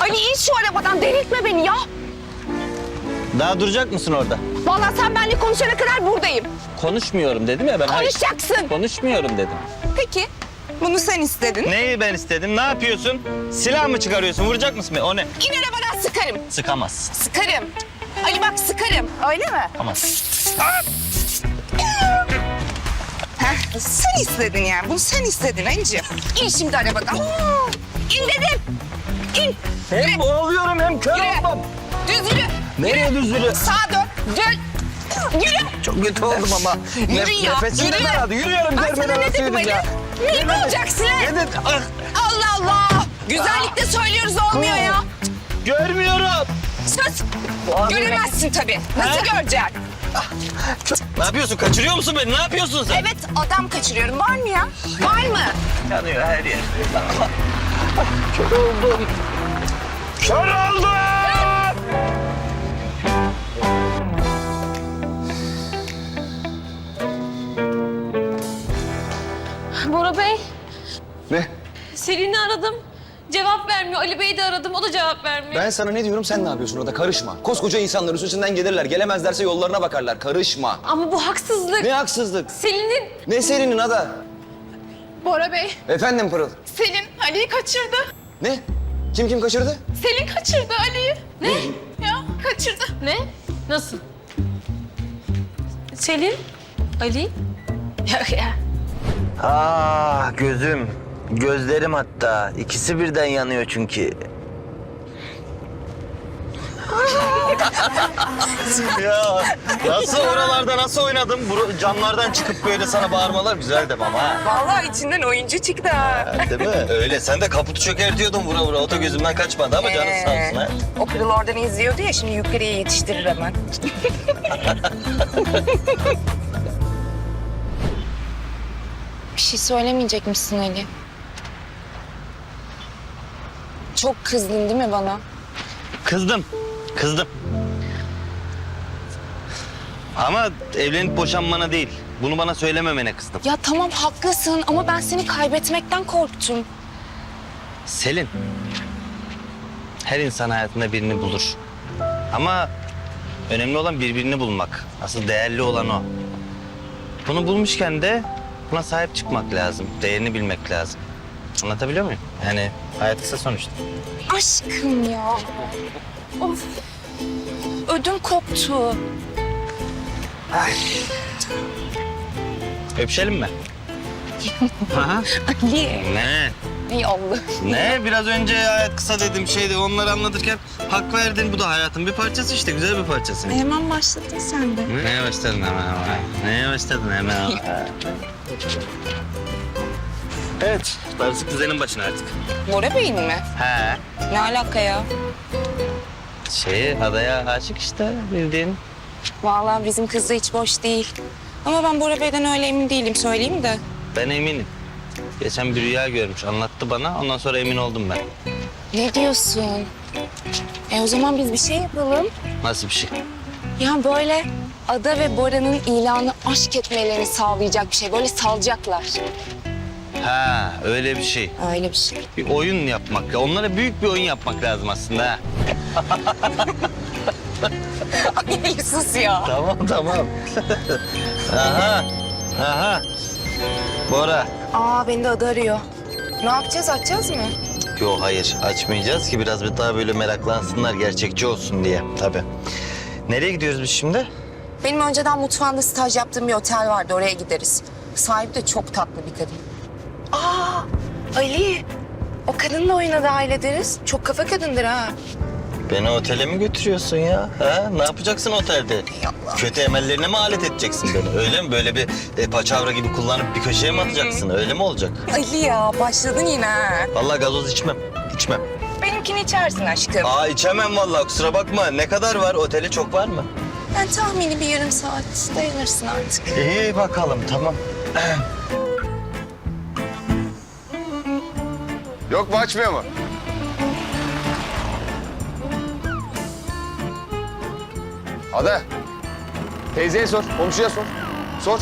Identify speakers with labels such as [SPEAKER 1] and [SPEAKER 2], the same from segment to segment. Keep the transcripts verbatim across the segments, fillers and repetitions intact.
[SPEAKER 1] Ali in şu arabadan, delirtme beni ya.
[SPEAKER 2] Daha duracak mısın orada?
[SPEAKER 1] Vallahi sen benimle konuşana kadar buradayım.
[SPEAKER 2] Konuşmuyorum dedim ya ben. Hayır,
[SPEAKER 1] Konuşacaksın.
[SPEAKER 2] konuşmuyorum dedim.
[SPEAKER 1] Peki, bunu sen istedin.
[SPEAKER 2] Neyi ben istedim? Ne yapıyorsun? Silah mı çıkarıyorsun? Vuracak mısın beni? O ne?
[SPEAKER 1] İn arabadan, sıkarım.
[SPEAKER 2] Sıkamaz.
[SPEAKER 1] Sıkarım. Ali bak, sıkarım. Öyle mi?
[SPEAKER 2] Tamam.
[SPEAKER 1] Heh, sen istedin yani. Bunu sen istedin Ali'ciğim. İn şimdi arabadan. İn dedim. İn.
[SPEAKER 2] Hem boğuluyorum hem kör
[SPEAKER 1] Yürü.
[SPEAKER 2] oldum.
[SPEAKER 1] Düz yürü.
[SPEAKER 2] Nereye düz yürü?
[SPEAKER 1] Sağa dön. Dön. Yürü.
[SPEAKER 2] Çok kötü oldum ama.
[SPEAKER 1] Yürü ya,
[SPEAKER 2] Nefesim de
[SPEAKER 1] yürü.
[SPEAKER 2] daraldı. Yürüyorum.
[SPEAKER 1] Ben sana ne dedim Ali? Ne olacaksın lan?
[SPEAKER 2] Ne dedim? Ah,
[SPEAKER 1] Allah Allah. Güzellikle söylüyoruz, olmuyor ya.
[SPEAKER 2] görmüyorum.
[SPEAKER 1] Sus. Göremezsin tabii. Nasıl göreceksin?
[SPEAKER 2] Ne yapıyorsun? Kaçırıyor musun beni? Ne yapıyorsun sen?
[SPEAKER 1] Evet, adam kaçırıyorum. Var mı ya? Var mı?
[SPEAKER 2] Yanıyor her yer. Kör oldum. Kör oldum.
[SPEAKER 3] Bora Bey,
[SPEAKER 4] Ne?
[SPEAKER 3] Selin'i aradım. Cevap vermiyor. Ali Bey'i de aradım. O da cevap vermiyor.
[SPEAKER 4] Ben sana ne diyorum, sen ne yapıyorsun orada? Karışma. Koskoca insanlar üstünden gelirler. Gelemezlerse yollarına bakarlar. Karışma.
[SPEAKER 3] Ama bu haksızlık.
[SPEAKER 4] Ne haksızlık?
[SPEAKER 3] Selin'in...
[SPEAKER 4] Ne Selin'in ada?
[SPEAKER 5] Bora Bey,
[SPEAKER 4] Efendim Pırıl.
[SPEAKER 5] Selin Ali'yi kaçırdı.
[SPEAKER 4] Ne? Kim kim kaçırdı?
[SPEAKER 5] Selin kaçırdı Ali'yi.
[SPEAKER 3] Ne?
[SPEAKER 5] Ya kaçırdı.
[SPEAKER 3] Ne? Nasıl? Selin? Ali? Ya, ya.
[SPEAKER 2] Ah gözüm. Gözlerim hatta. İkisi birden yanıyor çünkü. Ya nasıl oralarda nasıl oynadım? Bu camlardan çıkıp böyle sana bağırmalar güzel dem ama ha.
[SPEAKER 1] Vallahi içinden oyuncu çıktı ha.
[SPEAKER 2] Değil mi? Öyle. Sen de kaputu çökertiyordun vura vura. O da gözümden kaçmadı ama canın sağ olsun ha.
[SPEAKER 1] O Pırıl oradan izliyordu ya, şimdi yukarıya yetiştirir hemen. Bir şey söylemeyecek misin Ali? Çok kızdın değil mi bana?
[SPEAKER 2] Kızdım. Kızdım. Ama evlenip boşanmana değil. Bunu bana söylememene kızdım.
[SPEAKER 1] Ya tamam haklısın ama ben seni kaybetmekten korktum.
[SPEAKER 2] Selin. Her insan hayatında birini bulur. Ama önemli olan birbirini bulmak. Asıl değerli olan o. Bunu bulmuşken de buna sahip çıkmak lazım. Değerini bilmek lazım. Anlatabiliyor muyum? Yani hayat kısa sonuçta.
[SPEAKER 1] Aşkım ya. Of. Ödüm koptu.
[SPEAKER 2] Öpüşelim mi? Aha.
[SPEAKER 1] Ali.
[SPEAKER 2] Ne?
[SPEAKER 1] Ey Allah.
[SPEAKER 2] Ne? Biraz önce hayat kısa dedim şeydi. Onları anlatırken hak verdin. Bu da hayatın bir parçası işte. Güzel bir parçası.
[SPEAKER 1] Hemen başladın sen de.
[SPEAKER 2] Neye başladın hemen ama? Neye başladın hemen? Evet. Darısı kuzenin başına artık.
[SPEAKER 1] Bora Bey'in mi?
[SPEAKER 2] He.
[SPEAKER 1] Ne alaka ya?
[SPEAKER 2] Şey adaya aşık işte bildiğin.
[SPEAKER 1] Vallahi bizim kız da hiç boş değil. Ama ben Bora Bey'den öyle emin değilim, söyleyeyim de.
[SPEAKER 2] Ben eminim. Geçen bir rüya görmüş. Anlattı bana. Ondan sonra emin oldum ben.
[SPEAKER 1] Ne diyorsun? E o zaman biz bir şey yapalım.
[SPEAKER 2] Nasıl bir şey?
[SPEAKER 1] Ya böyle Ada ve Bora'nın ilanı aşk etmelerini sağlayacak bir şey. Böyle salacaklar.
[SPEAKER 2] Ha öyle bir şey.
[SPEAKER 1] Öyle bir şey.
[SPEAKER 2] Bir oyun yapmak. Onlara büyük bir oyun yapmak lazım aslında ha.
[SPEAKER 1] Ay sus ya.
[SPEAKER 2] Tamam tamam. Aha. Aha. Bora.
[SPEAKER 1] Aa beni de Ada arıyor. Ne yapacağız, açacağız mı?
[SPEAKER 2] Yok hayır açmayacağız ki biraz bir daha böyle meraklansınlar gerçekçi olsun diye tabii. Nereye gidiyoruz biz şimdi?
[SPEAKER 1] Benim önceden mutfağında staj yaptığım bir otel vardı, oraya gideriz. Sahibi de çok tatlı bir kadın. Aa Ali, o kadınla oyuna dahil ederiz. Çok kafa kadındır ha.
[SPEAKER 2] Beni otele mi götürüyorsun ya? Ha? Ne yapacaksın otelde?
[SPEAKER 1] Allah.
[SPEAKER 2] Kötü emellerine mi alet edeceksin beni? Öyle mi? Böyle bir e, paçavra gibi kullanıp bir köşeye mi atacaksın? Öyle mi olacak?
[SPEAKER 1] Ali ya, başladın yine ha.
[SPEAKER 2] Vallahi gazoz içmem. İçmem.
[SPEAKER 1] Benimkini içersin aşkım.
[SPEAKER 2] Aa içemem vallahi kusura bakma. Ne kadar var? Oteli çok var mı?
[SPEAKER 1] Ben tahmini bir yarım saat dayanırsın artık.
[SPEAKER 2] İyi bakalım tamam.
[SPEAKER 4] Yok mu, açmıyor mu? Ada. Teyzeye sor, komşuya sor. Sor.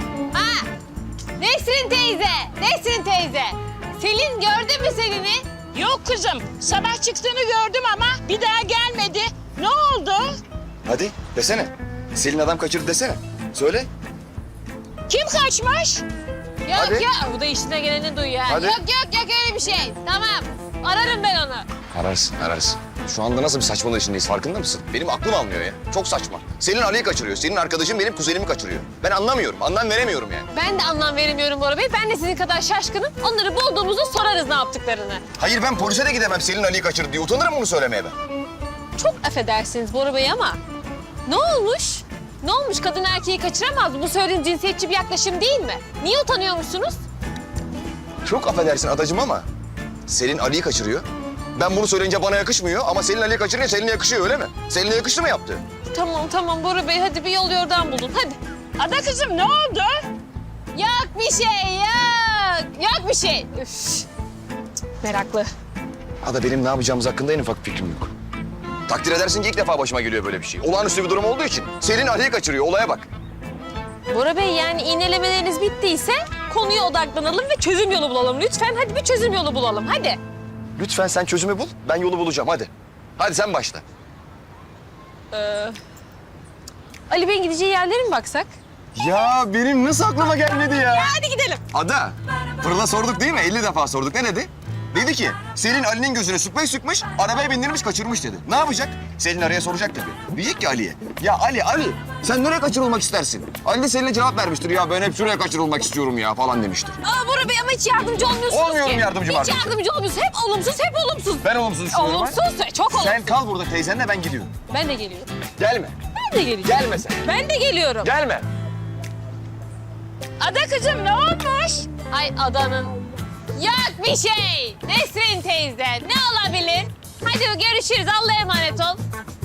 [SPEAKER 6] Nesrin teyze, Nesrin teyze. Selin gördü mü Selin'i? Yok kızım. Sabah çıktığını gördüm ama bir daha gelmedi. Ne oldu?
[SPEAKER 4] Hadi desene. Selin adam kaçırdı desene. Söyle.
[SPEAKER 6] Kim kaçmış?
[SPEAKER 3] Yok
[SPEAKER 4] Hadi.
[SPEAKER 3] ya bu da işine geleni duyuyor. ha.
[SPEAKER 4] Hadi.
[SPEAKER 3] Yok yok yok öyle bir şey. Tamam. Ararım ben onu.
[SPEAKER 4] Ararsın, ararsın. Şu anda nasıl bir saçmalığı içindeyiz farkında mısın? Benim aklım almıyor ya. Çok saçma. Selin Ali'yi kaçırıyor. Senin arkadaşın benim kuzenimi kaçırıyor. Ben anlamıyorum, anlam veremiyorum yani.
[SPEAKER 3] Ben de anlam veremiyorum Bora Bey. Ben de sizin kadar şaşkınım. Onları bulduğumuzda sorarız ne yaptıklarını.
[SPEAKER 4] Hayır ben polise de gidemem Selin Ali'yi kaçırdı diye. Utanırım bunu söylemeye ben.
[SPEAKER 3] Çok affedersiniz Bora Bey ama ne olmuş? Ne olmuş? Kadın erkeği kaçıramaz mı? Bu söylediğin cinsiyetçi bir yaklaşım değil mi? Niye utanıyormuşsunuz?
[SPEAKER 4] Çok affedersin adacığım ama Selin Ali'yi kaçırıyor. Ben bunu söyleyince bana yakışmıyor ama Selin Ali'yi kaçırınca Selin'e yakışıyor öyle mi? Selin'e yakıştı mı yaptı?
[SPEAKER 3] Tamam tamam Bora Bey hadi bir yol yordan bulun hadi.
[SPEAKER 6] Ada kızım ne oldu?
[SPEAKER 3] Yok bir şey yok. Yok bir şey. Üf. Meraklı.
[SPEAKER 4] Ada benim ne yapacağımız hakkında en ufak fikrim yok. Takdir edersin ki ilk defa başıma geliyor böyle bir şey. Olağanüstü bir durum olduğu için. Selin Ali'yi kaçırıyor olaya bak.
[SPEAKER 3] Bora Bey yani iğnelemeleriniz bittiyse konuya odaklanalım ve çözüm yolu bulalım. Lütfen hadi bir çözüm yolu bulalım hadi.
[SPEAKER 4] Lütfen sen çözümü bul, ben yolu bulacağım hadi. Hadi sen başla.
[SPEAKER 3] Ali Bey'in gideceği yerlere mi baksak?
[SPEAKER 4] Ya benim nasıl aklıma gelmedi ya?
[SPEAKER 3] Hadi gidelim.
[SPEAKER 4] Ada, Pırıl'a sorduk değil mi? elli defa sorduk. Ne dedi? Dedi ki, Selin Ali'nin gözüne süpmeyi sıkmış, arabaya bindirmiş, kaçırmış dedi. Ne yapacak? Selin araya soracak tabii. Diyecek ki Ali'ye, ya Ali, Ali sen nereye kaçırılmak istersin? Ali de Selin'e cevap vermiştir. Ya ben hep şuraya kaçırılmak istiyorum ya falan demiştir.
[SPEAKER 3] Aa Bora Bey ama hiç yardımcı olmuyorsunuz
[SPEAKER 4] Olmuyorum
[SPEAKER 3] ki.
[SPEAKER 4] yardımcım
[SPEAKER 3] Hiç
[SPEAKER 4] artık.
[SPEAKER 3] yardımcı olmuyorsunuz. Hep olumsuz, hep olumsuz.
[SPEAKER 4] Ben olumsuz düşünüyorum. ha.
[SPEAKER 3] Olumsuz, çok olumsuz.
[SPEAKER 4] Sen kal burada teyzenle ben gidiyorum.
[SPEAKER 3] Ben de geliyorum.
[SPEAKER 4] Gelme.
[SPEAKER 3] Ben de geliyorum.
[SPEAKER 4] Gelme sen.
[SPEAKER 3] Ben de geliyorum.
[SPEAKER 4] Gelme.
[SPEAKER 6] Ada kızım ne olmuş?
[SPEAKER 3] Ay adanın. Yok bir şey. Nesrin teyze ne olabilir? Hadi görüşürüz. Allah'a emanet ol.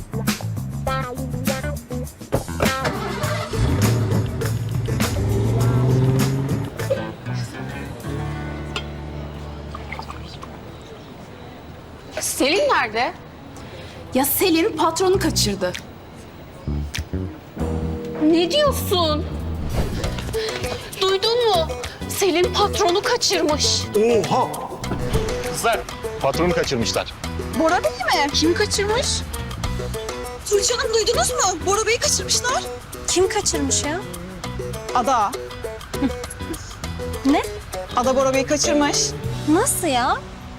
[SPEAKER 5] Selin nerede? Ya Selin patronu kaçırdı.
[SPEAKER 3] Ne diyorsun?
[SPEAKER 5] Duydun mu? Selin patronu kaçırmış.
[SPEAKER 7] Oha! Kızlar, patronu kaçırmışlar.
[SPEAKER 5] Bora Bey mi? Kim kaçırmış?
[SPEAKER 8] Tuğçe Hanım duydunuz mu? Bora Bey'i kaçırmışlar.
[SPEAKER 3] Kim kaçırmış ya?
[SPEAKER 8] Ada.
[SPEAKER 3] Ne?
[SPEAKER 8] Ada Bora Bey'i kaçırmış.
[SPEAKER 3] Nasıl ya?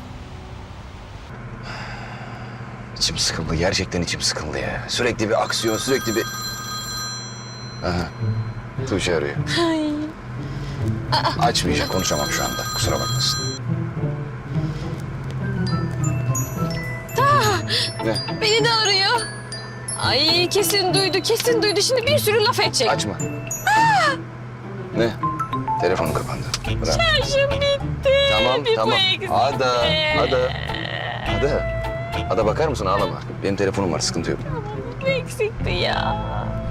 [SPEAKER 4] İçim sıkıldı. Gerçekten içim sıkıldı ya. Sürekli bir aksiyon, sürekli bir... Aha. Tuğçe arıyor. Açmayacak, konuşamam şu anda. Kusura bakmasın. Ne?
[SPEAKER 3] Beni de arıyor. Ay kesin duydu, kesin duydu. Şimdi bir sürü laf edecek.
[SPEAKER 4] Açma. Ne? Telefonum kapandı. Bırak.
[SPEAKER 3] Şarjım bitti.
[SPEAKER 4] Tamam,
[SPEAKER 3] Bir
[SPEAKER 4] tamam.
[SPEAKER 3] bu eksikti.
[SPEAKER 4] Ada, Ada. Ada. Ada bakar mısın? Ağlama. Benim telefonum var, sıkıntı yok.
[SPEAKER 3] Bu eksikti ya.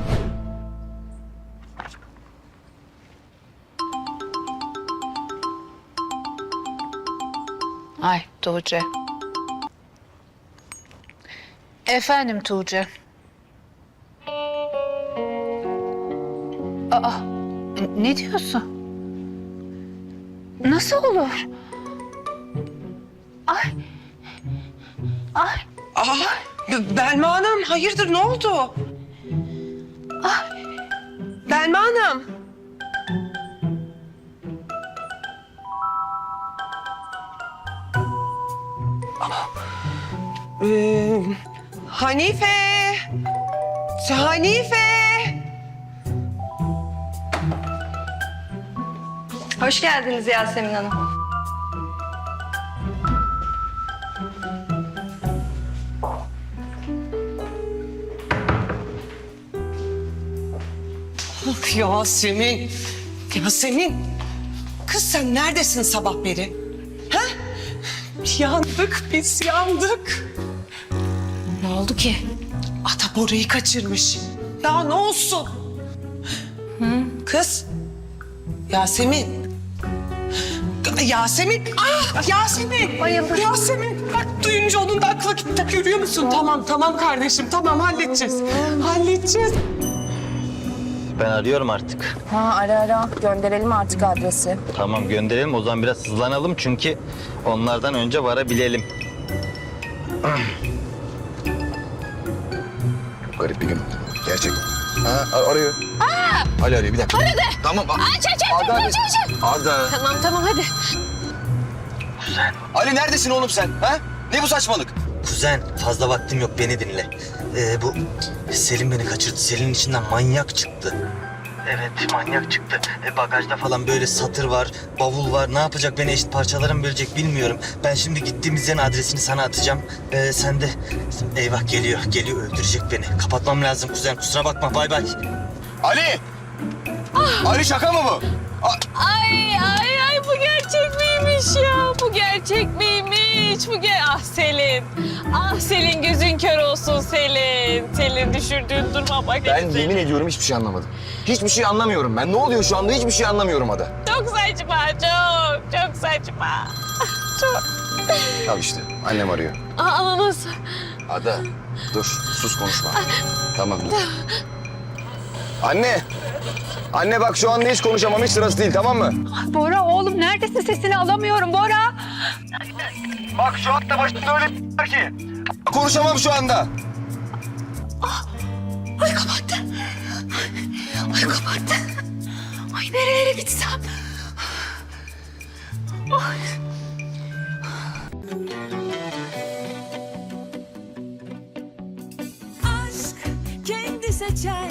[SPEAKER 9] Ay Tuğçe. Efendim Tuğçe. Aa, ne diyorsun? Nasıl olur? Ay. Ay.
[SPEAKER 10] Aa, B- Belma Hanım hayırdır ne oldu?
[SPEAKER 9] Ah.
[SPEAKER 10] Belma Hanım. Aa, ee, Hanife. Hanife.
[SPEAKER 8] Hoş geldiniz Yasemin Hanım.
[SPEAKER 10] Ah, Yasemin. Yasemin. Kız sen neredesin sabah beri? Ha? Yandık biz yandık.
[SPEAKER 5] Ne oldu ki?
[SPEAKER 10] Ata Bora'yı kaçırmış. Daha ne olsun? Kız. Yasemin. Yasemin. Ah Yasemin.
[SPEAKER 5] Bayıldı.
[SPEAKER 10] Yasemin. Bak duyunca onun da aklı gitti. Görüyor musun? Tamam tamam kardeşim. Tamam halledeceğiz. Halledeceğiz.
[SPEAKER 2] ben arıyorum artık.
[SPEAKER 1] Ha ara ara gönderelim artık adresi.
[SPEAKER 2] Tamam gönderelim o zaman biraz hızlanalım çünkü onlardan önce varabilelim.
[SPEAKER 4] Garip bir gün. Gerçek. Ha, a- arıyor. Aa! Ali arıyor bir dakika. Aradı. Tamam. a-
[SPEAKER 3] Aç aç aç
[SPEAKER 4] Arda,
[SPEAKER 3] aç
[SPEAKER 4] Ali.
[SPEAKER 3] aç aç.
[SPEAKER 4] Arda.
[SPEAKER 3] Tamam tamam hadi.
[SPEAKER 4] Ali neredesin oğlum sen? Ha? Ne bu saçmalık?
[SPEAKER 2] Kuzen fazla vaktim yok beni dinle. Ee, bu Selin beni kaçırdı. Selin içinden manyak çıktı. Evet manyak çıktı. E, bagajda falan böyle satır var, bavul var. Ne yapacak beni eşit parçalara mı bölecek bilmiyorum. Ben şimdi gittiğimiz yerin adresini sana atacağım. Ee, sen de eyvah geliyor, geliyor öldürecek beni. Kapatmam lazım kuzen kusura bakma bay bay.
[SPEAKER 4] Ali! Ali şaka mı bu? A-
[SPEAKER 3] Ay ay ay bu gerçek miymiş ya? Bu gerçek miymiş? Bu ger Ah Selin. Ah Selin gözün kör olsun Selin. Selin düşürdüğün duruma bak.
[SPEAKER 4] Ben
[SPEAKER 3] Selin.
[SPEAKER 4] yemin ediyorum hiçbir şey anlamadım. Hiçbir şey anlamıyorum ben. Ne oluyor şu anda hiçbir şey anlamıyorum Ada.
[SPEAKER 3] Çok saçma çok çok saçma. Çok.
[SPEAKER 4] Al işte annem arıyor.
[SPEAKER 3] Aa nasıl?
[SPEAKER 4] Ada dur sus konuşma. Tamam dur. Anne! Anne bak şu anda hiç konuşamam hiç sırası değil tamam mı?
[SPEAKER 9] Bora oğlum neredesin? Sesini alamıyorum Bora.
[SPEAKER 4] Bak şu anda başımda öyle bir var ki. Konuşamam şu anda.
[SPEAKER 5] Ay kapattı. Ay kapattı. Ay nerelere gitsem. Ay.
[SPEAKER 8] Aşk kendi seçer